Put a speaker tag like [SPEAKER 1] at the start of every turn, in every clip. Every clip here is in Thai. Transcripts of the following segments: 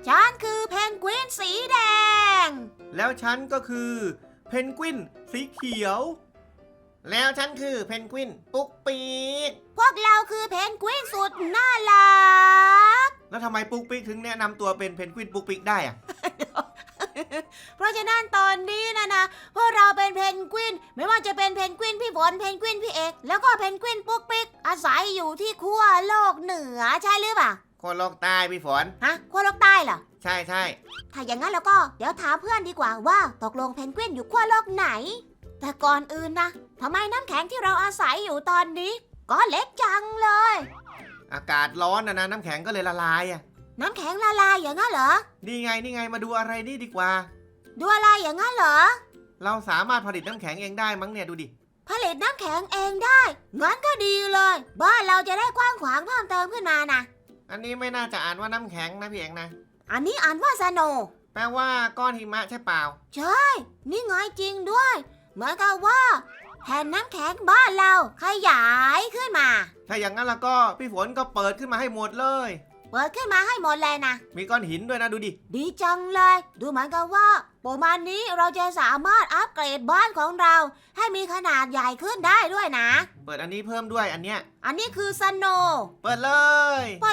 [SPEAKER 1] ฉันคือเพนกวินสีแดง
[SPEAKER 2] แล้วฉันก็คือเพนกวินสีเขียวแล้วฉันคือเพนกวินปุ๊กปีก
[SPEAKER 1] พวกเราคือเพนกวินสุดน่ารัก
[SPEAKER 2] แล้วทำไมปุ๊กปีกถึงแนะนำตัวเป็นเพนกวินปุ๊กปีกได้อะ
[SPEAKER 1] เพราะฉะนั้นตอนนี้นะพวกเราเป็นเพนกวินไม่ว่าจะเป็นเพนกวินพี่ฝนเพนกวินพี่เอกแล้วก็เพนกวินปุ๊กปิ๊กอาศัยอยู่ที่ขั้วโลกเหนือใช่หรือเปล่า
[SPEAKER 2] คนโลกใต้พี่ฝน
[SPEAKER 1] ฮะขั้วโลกใต้เหรอ
[SPEAKER 2] ใช่ใช่
[SPEAKER 1] ถ้าอย่างนั้นแล้วก็เดี๋ยวถามเพื่อนดีกว่าว่าตกลงเพนกวินอยู่ขั้วโลกไหนแต่ก่อนอื่นนะทำไมน้ำแข็งที่เราอาศัยอยู่ตอนนี้ก็เล็กจังเลย
[SPEAKER 2] อากาศร้อนนะน้ำแข็งก็เลยละลายอ่ะ
[SPEAKER 1] น้ำแข็งละลายอย่างนั้นเหรอ
[SPEAKER 2] นี่ไงมาดูอะไรนี่ดีกว่า
[SPEAKER 1] ดูอะไรอย่างนั้นเหรอ
[SPEAKER 2] เราสามารถผลิตน้ำแข็งเองได้มั้งเนี่ยดูดิ
[SPEAKER 1] ผลิตน้ำแข็งเองได้งั้นก็ดีเลยบ้านเราจะได้กว้างขวางเพิ่มเติมขึ้นมานะ
[SPEAKER 2] อันนี้ไม่น่าจะอ่านว่าน้ำแข็งนะพี่เอกนะ
[SPEAKER 1] อันนี้อ่านว่าสโนว์
[SPEAKER 2] แปลว่าก้อนหิมะใช่เปล่า
[SPEAKER 1] ใช่นี่ไงจริงด้วยเหมือนกับว่าแผ่นน้ำแข็งบ้านเราขยายขึ้นมา
[SPEAKER 2] ถ้าอย่างนั้นแล้วก็พี่ฝนก็เปิดขึ้นมาให้หมดเลย
[SPEAKER 1] เปิดขึ้นมาให้หมดเลยนะ
[SPEAKER 2] มีก้อนหินด้วยนะดูดิ
[SPEAKER 1] ดีจังเลยดูเหมือนกับว่าประมาณนี้เราจะสามารถอัปเกรดบ้านของเราให้มีขนาดใหญ่ขึ้นได้ด้วยนะ
[SPEAKER 2] เปิดอันนี้เพิ่มด้วยอันเนี้ย
[SPEAKER 1] อันนี้คือสโนว์
[SPEAKER 2] เปิดเลย
[SPEAKER 1] มา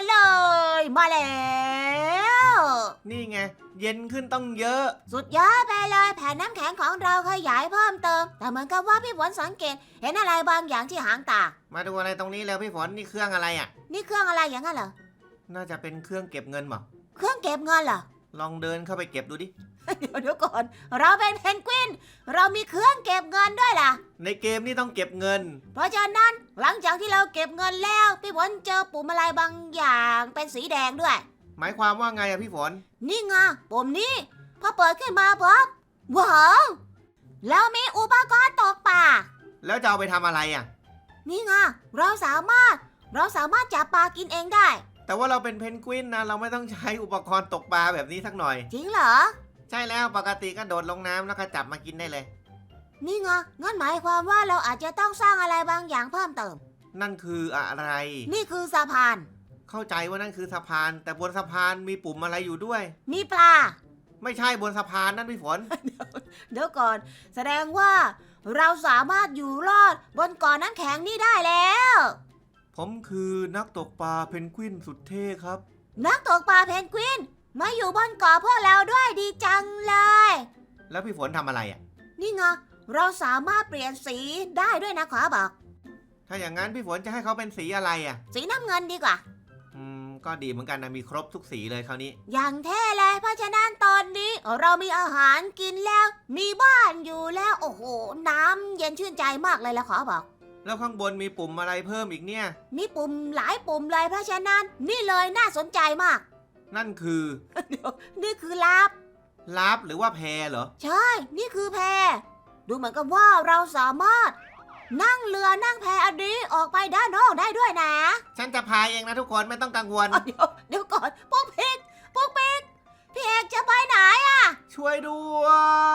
[SPEAKER 1] แล้ว
[SPEAKER 2] นี่ไงเย็นขึ้นต้องเยอะ
[SPEAKER 1] สุดยอดไปเลยแผ่นน้ำแข็งของเราขยายเพิ่มเติมแต่เหมือนกับว่าพี่ฝนสังเกตเห็นอะไรบางอย่างที่หางตา
[SPEAKER 2] มาดูอะไรตรงนี้แล้วพี่ฝนนี่เครื่องอะไรอ่ะ
[SPEAKER 1] นี่เครื่องอะไรอย่างนั้นเหรอ
[SPEAKER 2] น่าจะเป็นเครื่องเก็บเงินมั้ง
[SPEAKER 1] เครื่องเก็บเงินเหรอ
[SPEAKER 2] ลองเดินเข้าไปเก็บดูดิ
[SPEAKER 1] เดี๋ยวก่อนเราเป็นเพนกวินเรามีเครื่องเก็บเงินด้วยล่ะ
[SPEAKER 2] ในเกมนี่ต้องเก็บเงิน
[SPEAKER 1] เพราะฉะนั้นหลังจากที่เราเก็บเงินแล้วพี่ฝนเจอปุ่มอะไรบางอย่างเป็นสีแดงด้วย
[SPEAKER 2] หมายความว่าไงอะพี่ฝน
[SPEAKER 1] นี่ไงปุ่มนี้พอเปิดขึ้นมาปุ๊บว้าวแล้วมีอุปกรณ์ตกปลา
[SPEAKER 2] แล้วจะเอาไปทำอะไรอะ
[SPEAKER 1] นี่ไงเราสามารถจับปลากินเองได้
[SPEAKER 2] แต่ว่าเราเป็นเพนกวินนะเราไม่ต้องใช้อุปกรณ์ตกปลาแบบนี้สักหน่อย
[SPEAKER 1] จริงเหรอ
[SPEAKER 2] ใช่แล้วปกติก็โดดลงน้ำแล้วก็จับมากินได้เลย
[SPEAKER 1] นี่ไงงั้นหมายความว่าเราอาจจะต้องสร้างอะไรบางอย่างเพิ่มเติม
[SPEAKER 2] นั่นคืออะไร
[SPEAKER 1] นี่คือสะพาน
[SPEAKER 2] เข้าใจว่านั่นคือสะพานแต่บนสะพานมีปุ่มอะไรอยู่ด้วย
[SPEAKER 1] มีปลา
[SPEAKER 2] ไม่ใช่บนสะพานนั่นพี่ฝน
[SPEAKER 1] เดี๋ยวก่อนแสดงว่าเราสามารถอยู่รอดบนเกาะน้ำแข็งนี่ได้แล้ว
[SPEAKER 2] ผมคือนักตกปลาเพนกวินสุดเท่ครับ
[SPEAKER 1] นักตกปลาเพนกวินมาอยู่บนเกาะพวกเราด้วยดีจังเลย
[SPEAKER 2] แล้วพี่ฝนทำอะไรอ่ะ
[SPEAKER 1] นี่ไงเราสามารถเปลี่ยนสีได้ด้วยนะขอบอก
[SPEAKER 2] ถ้าอย่างนั้นพี่ฝนจะให้เขาเป็นสีอะไรอ่ะ
[SPEAKER 1] สีน้ำเงินดีกว่า
[SPEAKER 2] ก็ดีเหมือนกันนะมีครบทุกสีเลยคราวนี้
[SPEAKER 1] อย่างเท่เลยเพราะฉะนั้นตอนนี้เรามีอาหารกินแล้วมีบ้านอยู่แล้วโอ้โหน้ำเย็นชื่นใจมากเลยละขอบอก
[SPEAKER 2] แล้วข้างบนมีปุ่มอะไรเพิ่มอีกเนี่ย
[SPEAKER 1] มีปุ่มหลายปุ่มเลยเพราะฉะนั้นนี่เลยน่าสนใจมาก
[SPEAKER 2] นั่นคือ
[SPEAKER 1] เดี๋ยวนี่คือลับ
[SPEAKER 2] หรือว่าแพเหรอ
[SPEAKER 1] ใช่นี่คือแพดูเหมือนกับว่าเราสามารถนั่งเรือนั่งแพอันนี้ออกไปด้านนอกได้ด้วยนะ
[SPEAKER 2] ฉันจะพายเองนะทุกคนไม่ต้องกังวล
[SPEAKER 1] เดี๋ยวก่อนปุ๊กปิ๊กพี่เอกจะไปไหนอะ
[SPEAKER 2] ช่วยด้วย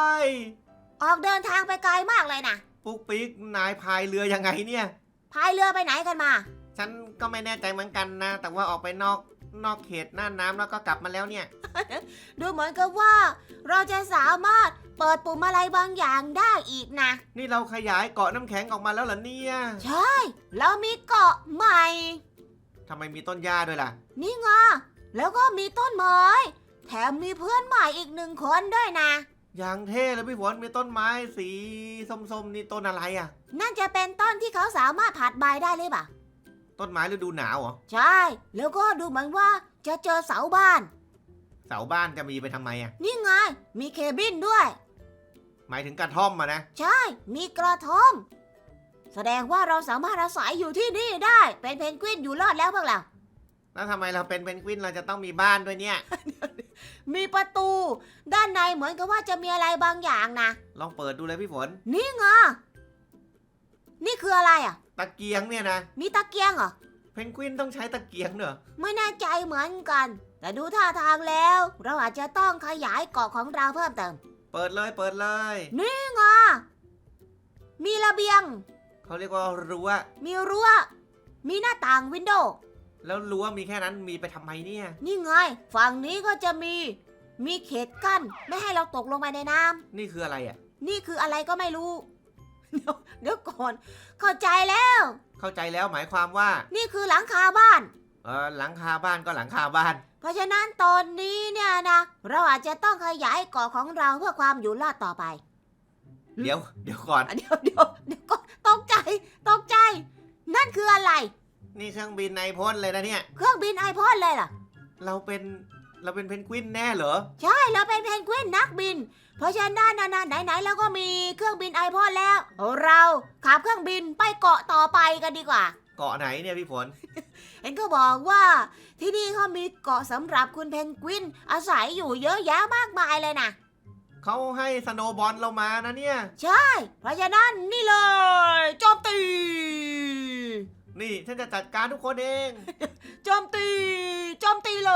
[SPEAKER 1] ออกเดินทางไปไกลมากเลยนะ
[SPEAKER 2] ปุ๊กปิ๊กนายพายเรือยังไงเนี่ย
[SPEAKER 1] พายเรือไปไหนกันมา
[SPEAKER 2] ฉันก็ไม่แน่ใจเหมือนกันนะแต่ว่าออกไปนอกเขตน่านน้ำแล้วก็กลับมาแล้วเนี่ย
[SPEAKER 1] ดูเหมือนกับว่าเราจะสามารถเปิดปุ่มอะไรบางอย่างได้อีกนะ
[SPEAKER 2] นี่เราขยายเกาะน้ำแข็งออกมาแล้วเหรอเนี่ย
[SPEAKER 1] ใช่เรามีเกาะใหม่
[SPEAKER 2] ทำไมมีต้นหญ้าด้วยล่ะ
[SPEAKER 1] นี่ไงแล้วก็มีต้นไม้แถมมีเพื่อนใหม่อีก1 คนด้วยนะ
[SPEAKER 2] อย่างเท่เลยพี่ฝนมีต้นไม้สีส้มๆนี่ต้นอะไรอ่ะ
[SPEAKER 1] นั่นจะเป็นต้นที่เขาสามารถผัดใบได้หรือเปล่า
[SPEAKER 2] ต้นไม้ฤดูหนาวเหรอ
[SPEAKER 1] ใช่แล้วก็ดูเหมือนว่าจะเจอเสาบ้าน
[SPEAKER 2] จะมีไปทำไมอ่ะ
[SPEAKER 1] นี่ไงมีเคบินด้วย
[SPEAKER 2] หมายถึงกระท่อมมานะ
[SPEAKER 1] ใช่มีกระท่อมแสดงว่าเราสามารถอาศัยอยู่ที่นี่ได้เป็นเพนกวินอยู่รอดแล้วพวกเรา
[SPEAKER 2] แล้วทำไมเราเป็นเพนกวินเราจะต้องมีบ้านด้วยเนี่ย
[SPEAKER 1] มีประตูด้านในเหมือนกับว่าจะมีอะไรบางอย่างนะ
[SPEAKER 2] ลองเปิดดูเลยพี่ฝน
[SPEAKER 1] นี่ไงนี่คืออะไรอ่ะ
[SPEAKER 2] ตะเกียงเนี่ยนะ
[SPEAKER 1] มีตะเกียงเหรอ
[SPEAKER 2] เพนกวินต้องใช้ตะเกียงเนอะ
[SPEAKER 1] ไม่แน่ใจเหมือนกันแต่ดูท่าทางแล้วเราอาจจะต้องขยายเกาะของเราเพิ่มเติม
[SPEAKER 2] เปิดเลย
[SPEAKER 1] นี่ไงมีระเบียง
[SPEAKER 2] เขาเรียกว่ารั้ว
[SPEAKER 1] มีรั้วมีหน้าต่างวินโดว์
[SPEAKER 2] แล้วรั้วมีแค่นั้นมีไปทำไมเนี่ย
[SPEAKER 1] นี่ไงฝั่งนี้ก็จะมีเขตกั้นไม่ให้เราตกลงไปในน้ำ
[SPEAKER 2] นี่คืออะไรอ่ะ
[SPEAKER 1] นี่คืออะไรก็ไม่รู้ เดี๋ยวก่อน เข้าใจแล้ว
[SPEAKER 2] เข้าใจแล้วหมายความว่า
[SPEAKER 1] นี่คือหลังคาบ้าน
[SPEAKER 2] หลังคาบ้านก็หลังคาบ้าน
[SPEAKER 1] เพราะฉะนั้นตอนนี้เนี่ยนะ เราอาจจะต้องขยายเกาะของเราเพื่อความอยู่รอดต่อไป
[SPEAKER 2] เดี๋ยวก่อน
[SPEAKER 1] เดี๋ยวก็ตกใจ นั่นคืออะไร
[SPEAKER 2] นี่เครื่องบินไอพ่นเลยนะเนี่ย
[SPEAKER 1] เครื่องบินไอพ่นเลยเหรอ
[SPEAKER 2] เราเป็นเพนกวินแน่เหรอ
[SPEAKER 1] ใช่เราเป็นเพนกวินนักบิน เพราะฉะนั้นนะไหนๆเราก็มีเครื่องบินไอพ่นแล้ว เราขับเครื่องบินไปเกาะต่อไปกันดีกว่า
[SPEAKER 2] เกาะไหนเนี่ยพี่ฝน
[SPEAKER 1] เห็นก็บอกว่าที่นี่เขามีเกาะสำหรับคุณเพนกวินอาศัยอยู่เยอะแยะมากมายเลยนะ
[SPEAKER 2] เขาให้สโนว์บอลเรามานะเนี่ย
[SPEAKER 1] ใช่ เพราะฉะนั้นนี่เลยโจมตี
[SPEAKER 2] นี่ฉันจะจัดการทุกคนเอง
[SPEAKER 1] โจมตีเลย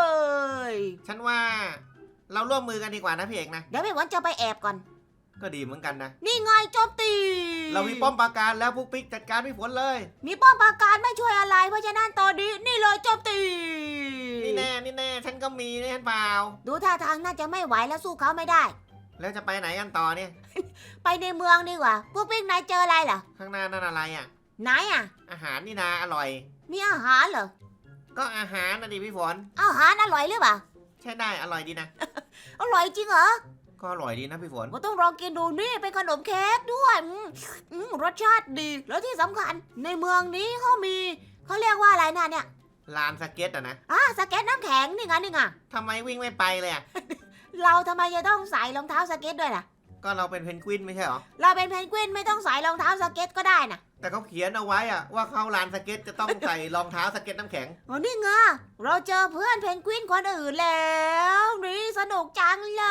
[SPEAKER 2] ฉันว่าเราร่วมมือกันดีกว่านะพี่เอกนะ
[SPEAKER 1] เดี๋ยวพี่หวันจะไปแอบก่อน
[SPEAKER 2] ก็ดีเหมือนกันนะ
[SPEAKER 1] นี่ไงโจมตี
[SPEAKER 2] เรามีป้อมปราการแล้วปุ๊กปิ๊กจัดการพี่ฝนเลย
[SPEAKER 1] มีป้อมปราการไม่ช่วยอะไร เพราะฉะนั้นตอนนี้นี่เลยโจมตี
[SPEAKER 2] นี่แน่ฉันก็มีนี่ฉันเปล่า
[SPEAKER 1] ดูท่าทางน่าจะไม่ไหวแล้วสู้เขาไม่ได้
[SPEAKER 2] แล้วจะไปไหนกันต่อเนี่ย
[SPEAKER 1] ไปในเมืองดีกว่าพวกปิ๊กนายเจออะไรเหรอ
[SPEAKER 2] ข้างหน้านั่นอะไรอ่ะ
[SPEAKER 1] ไหนอ่ะ
[SPEAKER 2] อาหารนี่นาอร่อย
[SPEAKER 1] มีอาหารเหรอ
[SPEAKER 2] ก็อาหารนะดิพี่ฝน
[SPEAKER 1] อาหารอร่อยหรือเปล่า
[SPEAKER 2] ใช่ได้อร่อยดีนะ
[SPEAKER 1] อร่อยจริงเหรอ
[SPEAKER 2] ก็อร่อยดีนะพี่ฝน
[SPEAKER 1] ก็ต้องลองกินดูนี่เป็นขนมเค้กด้วยรสชาติดี แล้วที่สำคัญในเมืองนี้เขาเรียกว่าอะไรนะเนี่ย
[SPEAKER 2] ลานสเก็ตอะนะ
[SPEAKER 1] สเก็ตน้ำแข็งนี่ไง
[SPEAKER 2] ทำไมวิ่งไม่ไปเลยอ่ะ
[SPEAKER 1] เราทำไมจะต้องใส่รองเท้าสเก็ตด้วยล่ะ
[SPEAKER 2] ก็เราเป็นเพนกวินไม่ใช่เหรอ
[SPEAKER 1] เราเป็นเพนกวินไม่ต้องใส่รองเท้าสเก็ตก็ได้นะ
[SPEAKER 2] แต่เขาเขียนเอาไว้อะว่าเข้าลานสเก็ตจะต้องใส่รองเท้าสเก็ตน้ำแข็ง
[SPEAKER 1] อ๋อนี่ไงเราเจอเพื่อนเพนกวินคนอื่นแล้วนี่สนุกจังเลย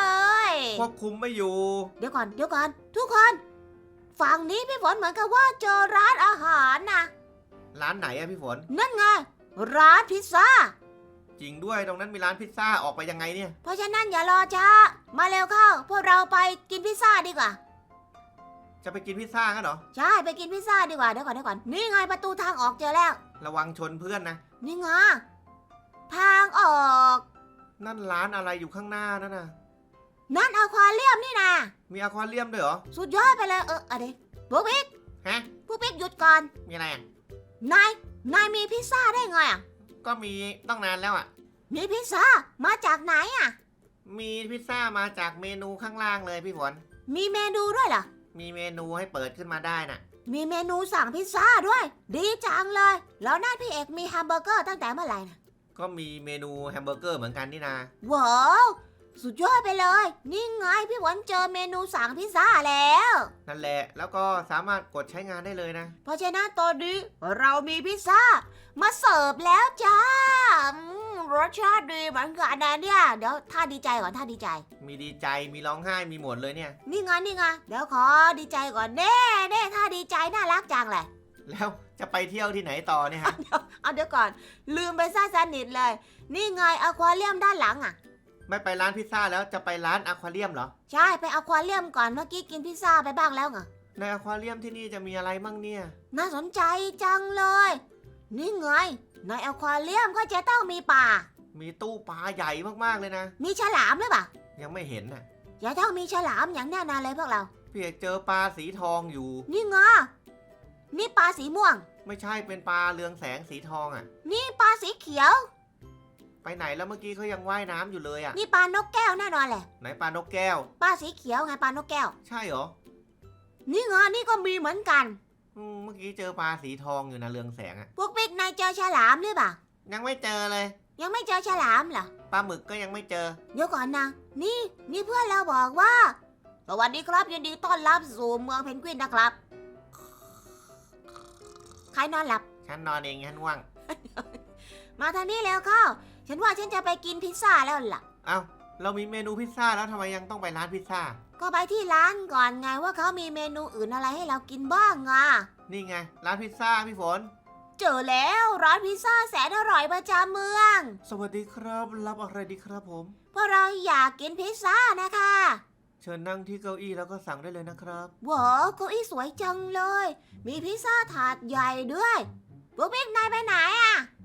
[SPEAKER 2] ควบคุมไม่อยู่
[SPEAKER 1] เดี๋ยวก่อนทุกคนฝั่งนี้พี่ฝนเหมือนกับว่าเจอร้านอาหารนะ
[SPEAKER 2] ร้านไหนอะพี่ฝน
[SPEAKER 1] นั่นไงร้านพิซซ่า
[SPEAKER 2] จริงด้วยตรงนั้นมีร้านพิซซ่าออกไปยังไงเนี่ย
[SPEAKER 1] เพราะฉะนั้นอย่ารอช้ามาเร็วเข้า พวกเราไปกินพิซซ่าดีกว่า
[SPEAKER 2] จะไปกินพิซซ่ากันเหรอ
[SPEAKER 1] ใช่ไปกินพิซซ่าดีกว่าเดี๋ยวก่อนนี่ไงประตูทางออกเจอแล้ว
[SPEAKER 2] ระวังชนเพื่อนนะ
[SPEAKER 1] นี่ไงทางออก
[SPEAKER 2] นั่นร้านอะไรอยู่ข้างหน้านั่นน่ะ
[SPEAKER 1] นั่นอควาเรียมนี่นะ
[SPEAKER 2] มีอควาเรียมด้วยเหรอ
[SPEAKER 1] สุดยอดไปเลยอะไรพวกปิ๊ก
[SPEAKER 2] ฮะ
[SPEAKER 1] หยุดก่อน
[SPEAKER 2] มีอะไรอะ
[SPEAKER 1] นายมีพิซซ่าได้ไงอ่ะ
[SPEAKER 2] ก็มีต้องนานแล้วอะ
[SPEAKER 1] มีพิซซ่ามาจากไหนอ่ะ
[SPEAKER 2] มีพิซซ่ามาจากเมนูข้างล่างเลยพี่ฝน
[SPEAKER 1] มีเมนูด้วยเหรอ
[SPEAKER 2] มีเมนูให้เปิดขึ้นมาได้น่ะ
[SPEAKER 1] มีเมนูสั่งพิซซ่าด้วย ดีจังเลย แล้วนั่นพี่เอกมีแฮมเบอร์เกอร์ตั้งแต่เมื่อไหร่นะ
[SPEAKER 2] ก็มีเมนูแฮมเบอร์เกอร์เหมือนกันนี่นา
[SPEAKER 1] ว้าวสุดยอดไปเลย นี่ไงพี่หวันเจอเมนูสั่งพิซซ่าแล้ว
[SPEAKER 2] นั่นแหละแล้วก็สามารถกดใช้งานได้เลยนะ
[SPEAKER 1] เพราะฉะนั้นตอนนี้เรามีพิซซ่ามาเสิร์ฟแล้วจ้ารสชาติดีเหมือนกันนะเนี่ย เดี๋ยวท่าดีใจก่อนท่าดีใจ
[SPEAKER 2] มีดีใจมีร้องไห้มีหมดเลยเนี่ย
[SPEAKER 1] นี่ไงเดี๋ยวขอดีใจก่อนเน่ท่าดีใจน่ารักจังเลย
[SPEAKER 2] แล้วจะไปเที่ยวที่ไหนต่อเนี่ยฮะ
[SPEAKER 1] เอาเดี๋ยวก่อน ลืมไปซะสนิทเลย นี่ไงอควาเรียมด้านหลังอ่ะ
[SPEAKER 2] ไม่ไปร้านพิซซ่าแล้วจะไปร้านอควาเรียมเหรอ
[SPEAKER 1] ใช่ไปอควาเรียมก่อนเมื่อกี้กินพิซซ่าไปบ้างแล้วไง
[SPEAKER 2] ในอควาเรียมที่นี่จะมีอะไรมั่งเนี่ย
[SPEAKER 1] น่าสนใจจังเลย นี่ไงในอควาเรียมก็จะต้องมีป่า
[SPEAKER 2] มีตู้ปลาใหญ่มากๆเลยนะ
[SPEAKER 1] มีฉลามหรือเปล่า
[SPEAKER 2] ยังไม่เห็นน่ะ
[SPEAKER 1] อย่าต้องมีฉลามอย่างแน่นอนเลยพวกเรา
[SPEAKER 2] พี่เอกเจอปลาสีทองอยู่
[SPEAKER 1] นี่ไงนี่ปลาสีม่วง
[SPEAKER 2] ไม่ใช่เป็นปลาเรืองแสงสีทองอ่ะ
[SPEAKER 1] นี่ปลาสีเขียว
[SPEAKER 2] ไปไหนแล้วเมื่อกี้เขายังว่ายน้ำอยู่เลยอ่ะ
[SPEAKER 1] นี่ปลานกแก้วแน่นอนแหละ
[SPEAKER 2] ไหนปลานกแก้ว
[SPEAKER 1] ปลาสีเขียวไงปลานกแก้ว
[SPEAKER 2] ใช่เหรอ
[SPEAKER 1] นี่ไงนี่ก็มีเหมือนกัน
[SPEAKER 2] เมื่อกี้เจอปลาสีทองอยู่นะเรืองแสงอ่ะ
[SPEAKER 1] พวกปิ๊กนายเจอฉลามหรือเปล่า
[SPEAKER 2] ยังไม่เจอเลย
[SPEAKER 1] ยังไม่เจอฉลามเหรอ
[SPEAKER 2] ปลาหมึกก็ยังไม่เจอ
[SPEAKER 1] เดี๋ยวก่อนนะนี่เพื่อนเราบอกว่าสวัสดีครับยินดีต้อนรับสู่เมืองเพนกวินนะครับ ใครนอนหลับ
[SPEAKER 2] ฉันนอนเองฉันว่าง
[SPEAKER 1] มาทางนี้แล้วเข้า ฉันว่าฉันจะไปกินพิซซ่าแล้วล่ะ
[SPEAKER 2] เอ้าเรามีเมนูพิซซ่าแล้วทำไมยังต้องไปร้านพิซซ่า
[SPEAKER 1] ก็ไปที่ร้านก่อนไงว่าเขามีเมนูอื่นอะไรให้เรากินบ้างอ่ะ
[SPEAKER 2] นี่ไงร้านพิซซ่าพี่ฝน
[SPEAKER 1] เจอแล้วร้านพิซซ่าแสนอร่อยประจำเมือง
[SPEAKER 2] สวัสดีครับรับอะไรดีครับผม
[SPEAKER 1] เพราะเราอยากกินพิซซ่านะคะ
[SPEAKER 2] เชิญนั่งที่เก้าอี้แล้วก็สั่งได้เลยนะครับ
[SPEAKER 1] ว้าวเก้าอี้สวยจังเลย มีพิซซ่าถาดใหญ่ด้วยพวกบิ๊กนายไปไหนอ่ะ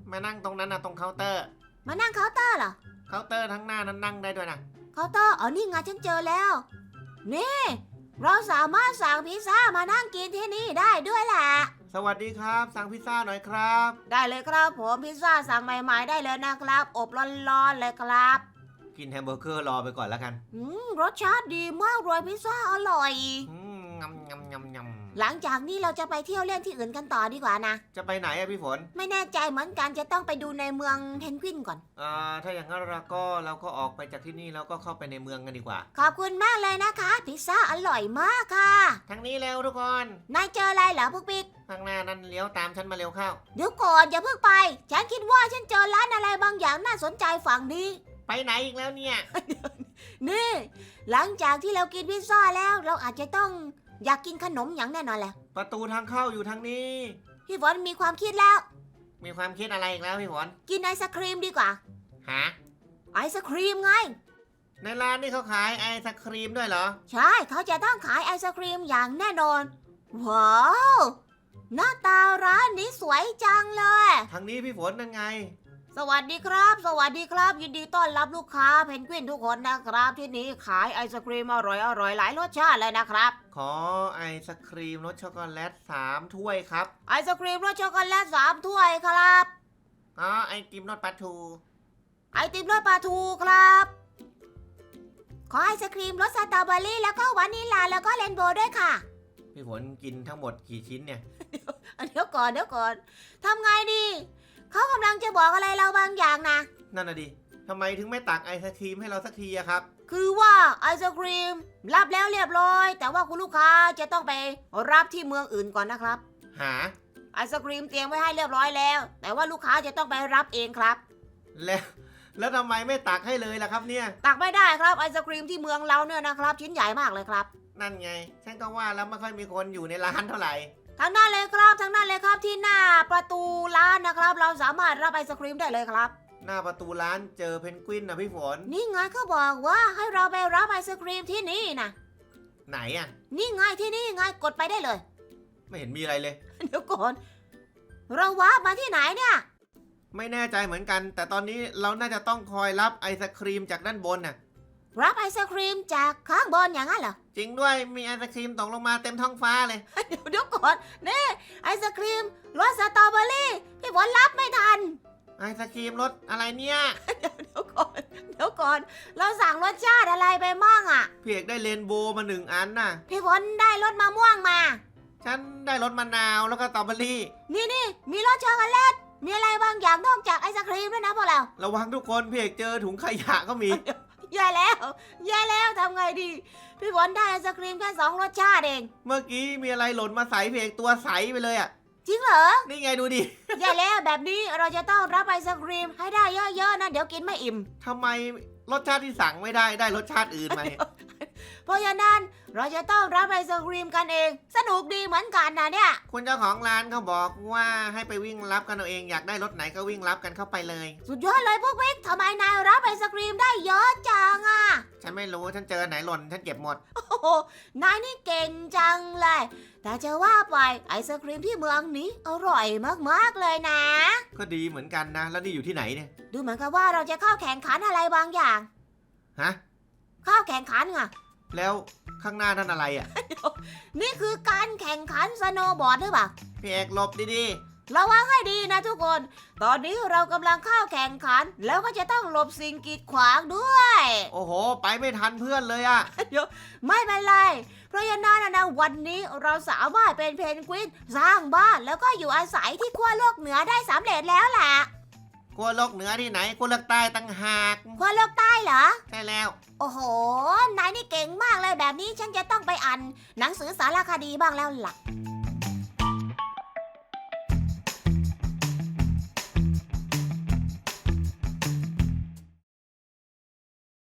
[SPEAKER 2] มานั่งตรงนั้นนะตรงเคาน์เตอร์
[SPEAKER 1] มานั่งเคาน์เตอร์เหรอ
[SPEAKER 2] เคาน์เตอร์ทั้งหน้านั้นนั่งได้ด้วยนะ
[SPEAKER 1] เคาน์เตอร์อ๋อนี่ไงฉันเจอแล้ว นี่ เราสามารถสั่งพิซซ่ามานั่งกินที่นี่ได้ด้วยแหละ
[SPEAKER 2] สวัสดีครับสั่งพิซซ่าหน่อยครับ
[SPEAKER 1] ได้เลยครับผมพิซซ่าสั่งใหม่ๆได้เลยนะครับ อบร้อนๆเลยครับ
[SPEAKER 2] กินแฮมเบอร์เกอร์รอไปก่อนแล้วกัน
[SPEAKER 1] รสชาติดีมากเลยพิซซ่าอร่อย
[SPEAKER 2] งำงำงำงำ
[SPEAKER 1] หลังจากนี้เราจะไปเที่ยวเล่นที่อื่นกันต่อดีกว่านะ
[SPEAKER 2] จะไปไหนอะพี่ฝน
[SPEAKER 1] ไม่แน่ใจเหมือนกันจะต้องไปดูในเมืองเพนกวินก่อน
[SPEAKER 2] ถ้าอย่างนั้นเราก็ออกไปจากที่นี่แล้วก็เข้าไปในเมืองกันดีกว่า
[SPEAKER 1] ขอบคุณมากเลยนะคะพิซซ่าอร่อยมากค่ะ
[SPEAKER 2] ทางนี้เร็วทุกคน
[SPEAKER 1] นายเจออะไรเหรอพวกปิ๊ก
[SPEAKER 2] ข้างหน้านั้นเลี้ยวตามฉันมาเร็วเข้า
[SPEAKER 1] เดี๋ยวก่อนอย่าเพิ่งไป ฉันคิดว่าฉันเจอร้านอะไรบางอย่างน่าสนใจฝั่งนี้
[SPEAKER 2] ไปไหนอีกแล้วเนี่ย
[SPEAKER 1] นี่ หลังจากที่เรากินพิซซ่าแล้วเราอาจจะต้องอยากกินขนมอย่างแน่นอนแหละ
[SPEAKER 2] ประตูทางเข้าอยู่ทางนี้
[SPEAKER 1] พี่ฝนมีความคิดแล้ว
[SPEAKER 2] มีความคิดอะไรอีกแล้วพี่ฝน
[SPEAKER 1] กินไอศครีมดีกว่า
[SPEAKER 2] หา
[SPEAKER 1] ไอศครีมไง
[SPEAKER 2] ในร้านนี่เขาขายไอศครีมด้วยเหรอ
[SPEAKER 1] ใช่เขาจะต้องขายไอศครีมอย่างแน่นอน ว้าว หน้าตาร้านนี้สวยจังเลย
[SPEAKER 2] ทางนี้พี่ฝนนั่นไง
[SPEAKER 1] สวัสดีครับ สวัสดีครับ ยินดีต้อนรับลูกค้าเพนกวินทุกคนนะครับ ที่นี่ขายไอศครีมอร่อยหลายรสชาติเลยนะครับ
[SPEAKER 2] ขอไอศครีมรสช็อกโกแลต3 ถ้วยครับ
[SPEAKER 1] ไอศครีมรสช็อกโกแลต3 ถ้วยครับ
[SPEAKER 2] ไอติมรสปลาทู
[SPEAKER 1] ไอติมรสปลาทูครับ ขอไอศครีมรสสตรอเบอรี่แล้วก็วานิลลาแล้วก็เรนโบว์ด้วยค่ะ
[SPEAKER 2] พี่ฝนกินทั้งหมดกี่ชิ้นเนี่ย
[SPEAKER 1] เดี๋ยวก่อนทำไงดี เขากำลังจะบอกอะไรเราบางอย่างนะ
[SPEAKER 2] นั่นน่ะดิทำไมถึงไม่ตักไอศครีมให้เราสักทีอะครับ
[SPEAKER 1] คือว่าไอศครีมรับแล้วเรียบร้อย แต่ว่าคุณลูกค้าจะต้องไปรับที่เมืองอื่นก่อนนะครับ
[SPEAKER 2] หา
[SPEAKER 1] ไอศครีมเตรียมไว้ให้เรียบร้อยแล้ว แต่ว่าลูกค้าจะต้องไปรับเองครับ
[SPEAKER 2] แล้วทำไมไม่ตักให้เลยล่ะครับเนี่ย
[SPEAKER 1] ตักไม่ได้ครับไอศครีมที่เมืองเราเนี่ยนะครับ ชิ้นใหญ่มากเลยครับ
[SPEAKER 2] นั่นไง ฉันก็ว่าแล้วไม่ค่อยมีคนอยู่ในร้านเท่าไหร่
[SPEAKER 1] ทางด้านเลยครับทางด้านเลยครับที่หน้าประตูร้านนะครับ เราสามารถรับไอศครีมได้เลยครับ
[SPEAKER 2] หน้าประตูร้านเจอเพนกวินนะพี่ฝน
[SPEAKER 1] นี่ไงเขาบอกว่าให้เราไปรับไอศครีมที่นี่นะ
[SPEAKER 2] ไหนอะ
[SPEAKER 1] นี่ไงที่นี่ไงกดไปได้เลย
[SPEAKER 2] ไม่เห็นมีอะไรเลย
[SPEAKER 1] เดี๋ยวก่อน เราวาร์ปมาที่ไหนเนี่ย
[SPEAKER 2] ไม่แน่ใจเหมือนกัน แต่ตอนนี้เราน่าจะต้องคอยรับไอศครีมจากด้านบนน่ะ
[SPEAKER 1] รับไอศครีมจากข้างบนอย่างนั้นเหรอ
[SPEAKER 2] จริงด้วยมีไอศครีมตกลงมาเต็มท้องฟ้าเลย
[SPEAKER 1] เดี๋ยวก่อนนี่ไอศครีมรสสตรอเบอรี่พี่ฝนรับไม่ทัน
[SPEAKER 2] ไอศครีมรสอะไรเนี่ย
[SPEAKER 1] เดี๋ยวก่อน เราสั่งรสชาติอะไรไปมั่งอ่ะ
[SPEAKER 2] พี่เอกได้เรนโบว์มา1 อันน่ะ
[SPEAKER 1] พี่ฝนได้รสมะม่วงมา
[SPEAKER 2] ฉันได้รสมะนาวแล้วก็สตรอเบอรี่
[SPEAKER 1] นี่มีรสช็อกโกแลต มีอะไรบางอย่างนอกจากไอศครีมด้วยนะพวกเรา
[SPEAKER 2] ระวังทุกคนพี่เอกเจอถุงขยะก็มี
[SPEAKER 1] แย่แล้วทำไงดี พี่ฝนได้ไอศครีมแค่2 รสชาติเอง
[SPEAKER 2] เมื่อกี้มีอะไรหล่นมาใส่พี่เอกตัวใสไปเลยอ่ะ
[SPEAKER 1] จริงเหรอ
[SPEAKER 2] นี่ไงดูดิ
[SPEAKER 1] แย่แล้วแบบนี้เราจะต้องรับไอศครีมให้ได้เยอะๆนะเดี๋ยวกินไม่อิ่ม
[SPEAKER 2] ทำไมรสชาติที่สั่งไม่ได้รสชาติอื่นมาเนี่ย
[SPEAKER 1] เพราะฉะนั้นเราจะต้องรับไอศครีมกันเอง สนุกดีเหมือนกันนะเนี่ย
[SPEAKER 2] คุณเจ้าของร้านเขาบอกว่าให้ไปวิ่งรับกันเอาเองอยากได้รถไหนก็วิ่งรับกันเข้าไปเลย
[SPEAKER 1] สุดยอดเลยพวกวิกทำไมนายรับไอศครีมได้เยอะจังอ่ะ
[SPEAKER 2] ฉันไม่รู้ฉันเจอไหนหล่นฉันเก็บหมด
[SPEAKER 1] โอ้โหนายนี่เก่งจังเลย แต่จะว่าไปไอศครีมที่เมืองนี้อร่อยมากๆเลยนะ
[SPEAKER 2] ก็ดีเหมือนกันนะ แล้วนี่อยู่ที่ไหนเนี่ย
[SPEAKER 1] ดูเหมือนกับว่าเราจะเข้าแข่งขันอะไรบางอย่าง
[SPEAKER 2] ฮะ
[SPEAKER 1] เข้าแข่งขันไง
[SPEAKER 2] แล้วข้างหน้านั่นอะไรอ่ะ
[SPEAKER 1] นี่คือการแข่งขันสโนว์บอร์ดหรือเปล่า
[SPEAKER 2] พี่เอกหลบดี
[SPEAKER 1] ระวังให้ดีนะทุกคน ตอนนี้เรากำลังเข้าแข่งขัน แล้วก็จะต้องหลบสิ่งกีดขวางด้วย
[SPEAKER 2] ๆโอ้โห ไปไม่ทันเพื่อนเลยอ่ะ
[SPEAKER 1] ไม่เป็นไร เพราะฉะนั้นนะวันนี้เราสามารถเป็นเพนกวินสร้างบ้านแล้วก็อยู่อาศัยที่ขั้วโลกเหนือได้สำเร็จแล้วล่ะ
[SPEAKER 2] กลัวโลกเหนือที่ไหนกลัวโลกใต้ตั้งหาก
[SPEAKER 1] ขั้วโลกใต้เหรอ
[SPEAKER 2] ใช่แล้ว
[SPEAKER 1] โอ้โห นายนี่เก่งมากเลยแบบนี้ฉันจะต้องไปอ่านหนังสือสารคดีบ้างแล้วล่ะ